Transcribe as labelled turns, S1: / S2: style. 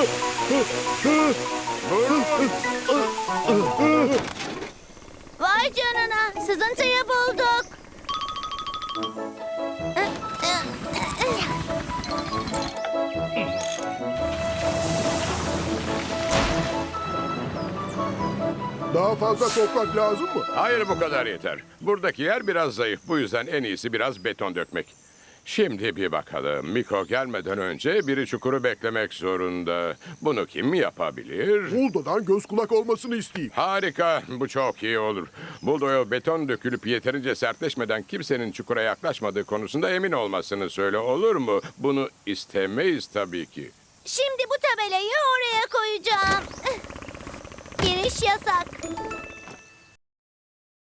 S1: Vay canına, sızıntıyı bulduk.
S2: Daha fazla toprak lazım mı?
S3: Hayır, bu kadar yeter. Buradaki yer biraz zayıf. Bu yüzden en iyisi biraz beton dökmek. Şimdi bir bakalım. Miko gelmeden önce biri çukuru beklemek zorunda. Bunu kim yapabilir?
S2: Buldo'dan göz kulak olmasını isteyeyim.
S3: Harika. Bu çok iyi olur. Buldoya beton dökülüp yeterince sertleşmeden kimsenin çukura yaklaşmadığı konusunda emin olmasını söyle, olur mu? Bunu istemeyiz tabii ki.
S1: Şimdi bu tabelayı oraya koyacağım. Giriş yasak.